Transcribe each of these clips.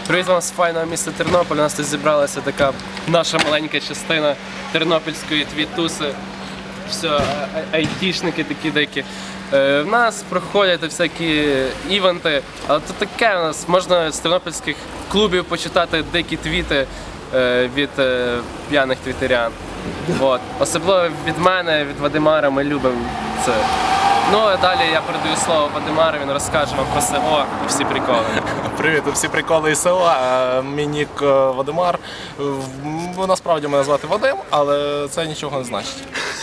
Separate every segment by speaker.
Speaker 1: Привіт вам з файного міста Тернопіль. У нас тут зібралася така наша маленька частина тернопільської твітуси. Все, айтішники такі дикі. В нас проходять всякі івенти, але то таке у нас, можна з тернопільських клубів почитати дикі твіти від п'яних твітерян. От. Особливо від мене, від Вадимара, ми любимо це. Ну а далі я передаю слово Вадимару, він розкаже вам про село і всі приколи.
Speaker 2: Привіт, всі приколи із села. Мій нік Вадимар. Насправді мене звати Вадим, але це нічого не значить.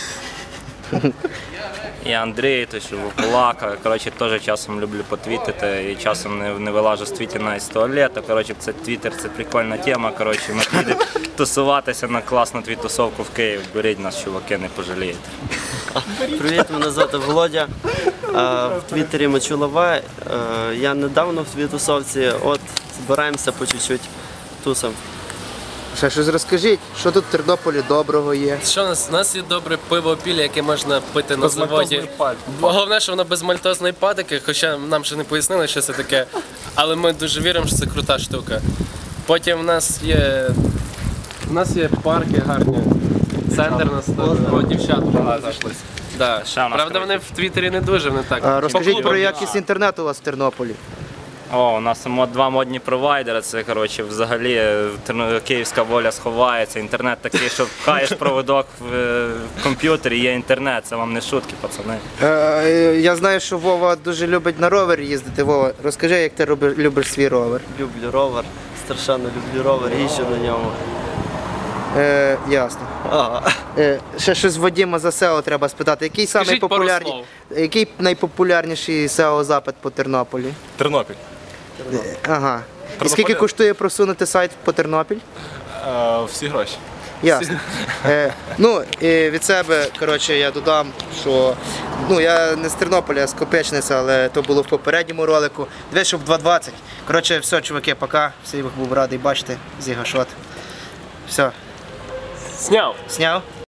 Speaker 3: Я Андрій, то що Кулака. Коротше, теж часом люблю потвітити і часом не вилажу з твітів навіть з туалету. Коротше, це твіттер, це прикольна тема. Коротше, ми підемо тусуватися на класну твітусовку в Київ. Беріть нас, чуваки, не пожалієте.
Speaker 4: Привіт, мене звати Володя. В Твіттері Мочулова. Я недавно в твітусовці, от збираємося по чуть-чуть тусом.
Speaker 5: Ще щось розкажіть, що тут в Тернополі доброго є?
Speaker 1: Що у нас? У нас є добре пиво пілля, яке можна пити на заводі. Головне, що воно без мальтозної патики, хоча нам ще не пояснили, що це таке. Але ми дуже віримо, що це крута штука. Потім у нас є парки гарні. Центр у нас там, дівчат багато. Да. Правда, вони в Твіттері не дуже, вони так.
Speaker 5: Розкажіть про якість інтернету у вас в Тернополі.
Speaker 3: О, у нас два модні провайдери, це, коротше, взагалі київська воля сховається. Інтернет такий, що пхаєш проводок в комп'ютері, є інтернет, це вам не шутки, пацани.
Speaker 5: Я знаю, що Вова дуже любить на ровері їздити. Вова, розкажи, як ти любиш свій ровер.
Speaker 4: Люблю ровер, страшенно люблю ровер, їжджу на ньому.
Speaker 5: Ясно. Ще щось Вадима за SEO треба спитати. Який найпопулярніший SEO-запит по Тернополі?
Speaker 2: Тернопіль.
Speaker 5: Ага. І скільки коштує просунути сайт по Тернопіль?
Speaker 2: Всі гроші.
Speaker 5: Ясно. Ну, і від себе, коротше, я додам, що я не з Тернополя, а з Копичниця, але то було в попередньому ролику. Дивись, щоб 2.20. Коротше, все, чуваки, пока. Всіх був радий бачити. Зігашот. Все.
Speaker 1: Сняв!
Speaker 5: Сняв?